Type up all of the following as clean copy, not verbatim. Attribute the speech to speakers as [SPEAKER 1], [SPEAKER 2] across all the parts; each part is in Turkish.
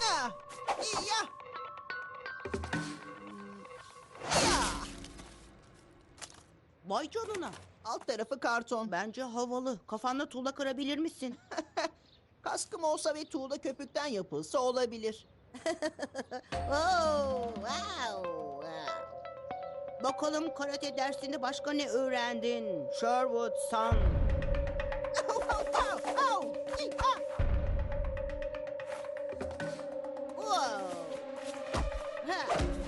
[SPEAKER 1] Ya! Ya! Ya!
[SPEAKER 2] Vay canına.
[SPEAKER 1] Alt tarafı karton.
[SPEAKER 2] Bence havalı. Kafanda tuğla kırabilir misin?
[SPEAKER 1] Kaskım olsa ve tuğla köpükten yapılsa olabilir.
[SPEAKER 2] Oh, wow. Bakalım karate dersinde başka ne öğrendin? Sherwood San.
[SPEAKER 1] Au, au! Ah!
[SPEAKER 2] Wow. Ha.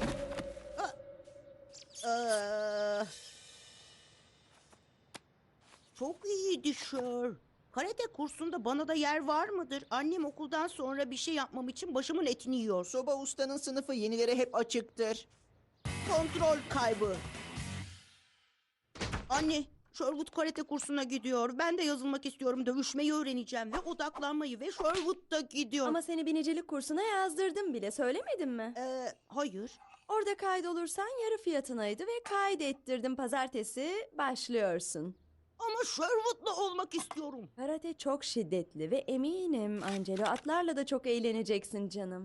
[SPEAKER 2] Çok iyiydi Sher. Karate kursunda bana da yer var mıdır? Annem okuldan sonra bir şey yapmam için başımın etini yiyor.
[SPEAKER 1] Soba ustanın sınıfı yenilere hep açıktır.
[SPEAKER 2] Kontrol kaybı. Anne, Sherwood karate kursuna gidiyor. Ben de yazılmak istiyorum. Dövüşmeyi öğreneceğim ve odaklanmayı ve Sherwood da gidiyor.
[SPEAKER 3] Ama seni binicilik kursuna yazdırdım bile, söylemedim mi?
[SPEAKER 2] Hayır.
[SPEAKER 3] Orada kaydolursan yarı fiyatınaydı ve kaydettirdim. Pazartesi başlıyorsun.
[SPEAKER 2] Ama Sherwood'la olmak istiyorum.
[SPEAKER 3] Karate çok şiddetli ve eminim Angelo atlarla da çok eğleneceksin canım.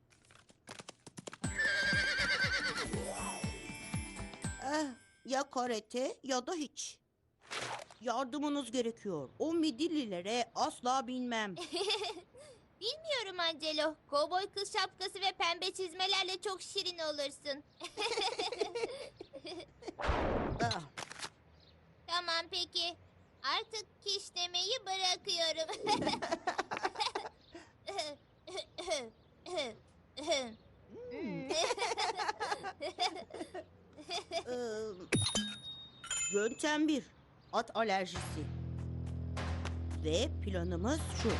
[SPEAKER 2] Ya karate ya da hiç. Yardımınız gerekiyor. O midillilere asla binmem.
[SPEAKER 4] Bilmiyorum Angelo. Kovboy kız şapkası ve pembe çizmelerle çok şirin olursun.
[SPEAKER 2] Ah,
[SPEAKER 4] Tamam peki. Artık kişnemeyi bırakıyorum.
[SPEAKER 2] e, Yöntem 1. At alerjisi. Ve planımız şu.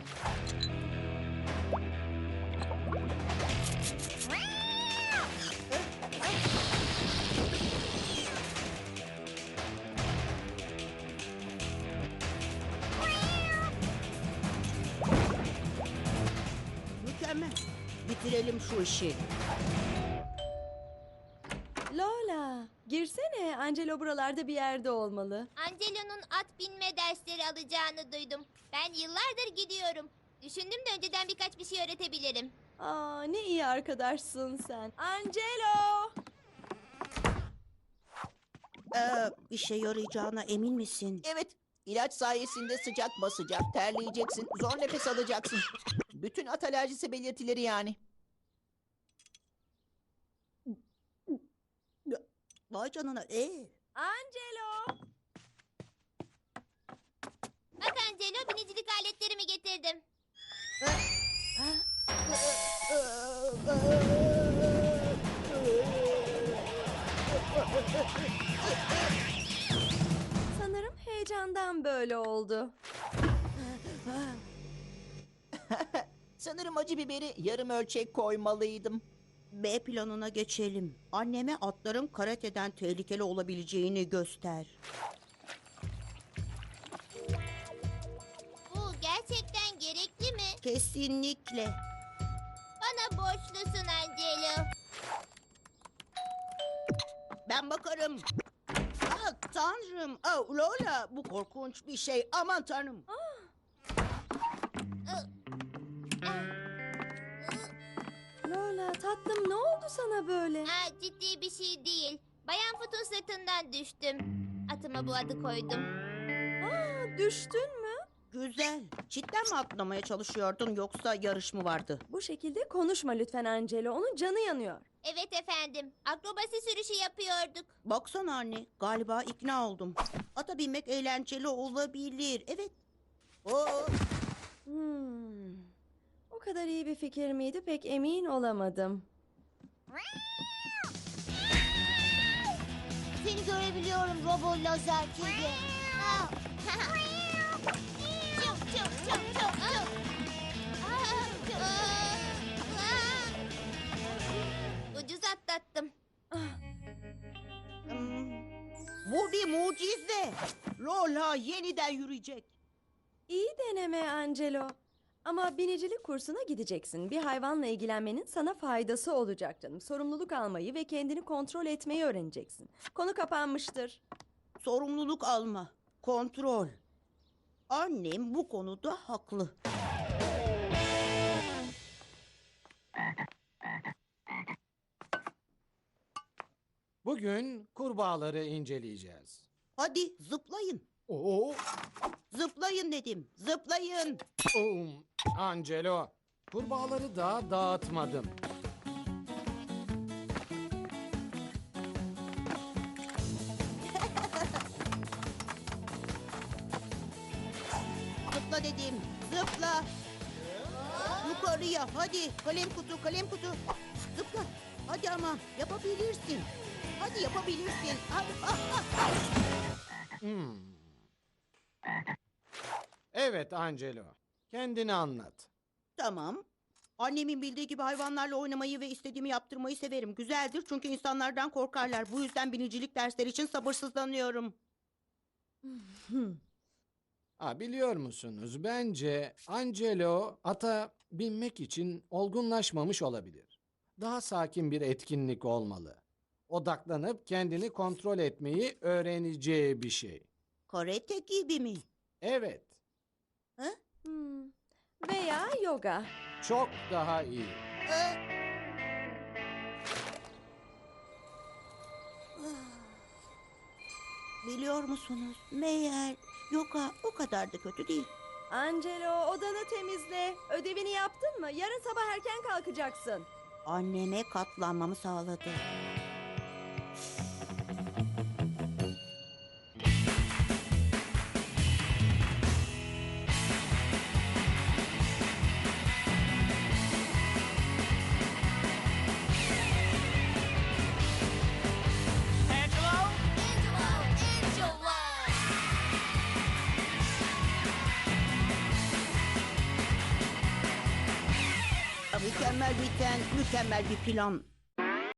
[SPEAKER 2] Mükemmel. Bitirelim şu işi.
[SPEAKER 3] Lola, girsene. Angelo buralarda bir yerde olmalı.
[SPEAKER 4] Angelo'nun at binme dersleri alacağını duydum. Ben yıllardır gidiyorum. Düşündüm de önceden birkaç bir şey öğretebilirim.
[SPEAKER 3] Aa, ne iyi arkadaşsın sen. Angelo!
[SPEAKER 2] İşe yarayacağına emin misin?
[SPEAKER 1] Evet, ilaç sayesinde sıcak basacak, terleyeceksin, zor nefes alacaksın. Bütün at alerjisi belirtileri yani.
[SPEAKER 2] Vay canına.
[SPEAKER 3] Angelo!
[SPEAKER 4] Bak Angelo, binicilik aletlerimi getirdim.
[SPEAKER 3] Sanırım heyecandan böyle oldu.
[SPEAKER 1] Sanırım acı biberi yarım ölçek koymalıydım.
[SPEAKER 2] B planına geçelim. Anneme atların karateden tehlikeli olabileceğini göster.
[SPEAKER 4] Bu gerçekten gerekli mi?
[SPEAKER 2] Kesinlikle.
[SPEAKER 4] Bana borçlusun Angelo.
[SPEAKER 2] Ben bakarım. Ah tanrım. Oh, Lola bu korkunç bir şey. Aman tanrım.
[SPEAKER 3] Lola tatlım ne oldu sana böyle?
[SPEAKER 4] Ciddi bir şey değil. Bayan Foot'un sırtından düştüm. Atıma bu adı koydum.
[SPEAKER 3] Düştün mü?
[SPEAKER 2] Güzel. Cidden mi atlamaya çalışıyordun yoksa yarış mı vardı?
[SPEAKER 3] Bu şekilde konuşma lütfen Angelo. Onun canı yanıyor.
[SPEAKER 4] Evet efendim. Akrobasi sürüşü yapıyorduk.
[SPEAKER 2] Baksana anne. Galiba ikna oldum. Ata binmek eğlenceli olabilir. Evet. Oo.
[SPEAKER 3] O kadar iyi bir fikir miydi pek emin olamadım.
[SPEAKER 4] Seni görebiliyorum Robo Lazer kedi. Çıp çıp çıp çıp çıp. Ucuz atlattım.
[SPEAKER 2] Bu bir mucize. Lola yeniden yürüyecek.
[SPEAKER 3] İyi deneme Angelo. Ama binicilik kursuna gideceksin. Bir hayvanla ilgilenmenin sana faydası olacak canım. Sorumluluk almayı ve kendini kontrol etmeyi öğreneceksin. Konu kapanmıştır.
[SPEAKER 2] Sorumluluk alma. Kontrol. Annem bu konuda haklı.
[SPEAKER 5] Bugün kurbağaları inceleyeceğiz.
[SPEAKER 2] Hadi zıplayın.
[SPEAKER 5] Oo,
[SPEAKER 2] Zıplayın dedim. Zıplayın.
[SPEAKER 5] Angelo, kurbağaları daha dağıtmadım.
[SPEAKER 2] Zıpla dedim. Zıpla. Yukarıya hadi. Kalem kutu, kalem kutu. Zıpla. Hadi ama yapabilirsin. Hadi yapabilirsin. Hadi.
[SPEAKER 5] Hmm. Evet Angelo, kendini anlat.
[SPEAKER 2] Tamam. Annemin bildiği gibi hayvanlarla oynamayı ve istediğimi yaptırmayı severim. Güzeldir çünkü insanlardan korkarlar. Bu yüzden binicilik dersleri için sabırsızlanıyorum.
[SPEAKER 5] Biliyor musunuz, bence Angelo ata binmek için olgunlaşmamış olabilir. Daha sakin bir etkinlik olmalı. Odaklanıp kendini kontrol etmeyi öğreneceği bir şey.
[SPEAKER 2] Karate gibi mi?
[SPEAKER 5] Evet,
[SPEAKER 3] Hmm. Veya yoga.
[SPEAKER 5] çok daha iyi.
[SPEAKER 2] Biliyor musunuz? Meğer yoga o kadar da kötü değil.
[SPEAKER 3] Angelo, odanı temizle. Ödevini yaptın mı? Yarın sabah erken kalkacaksın.
[SPEAKER 2] Anneme katlanmamı sağladı. Mükemmel biten, mükemmel bir plan.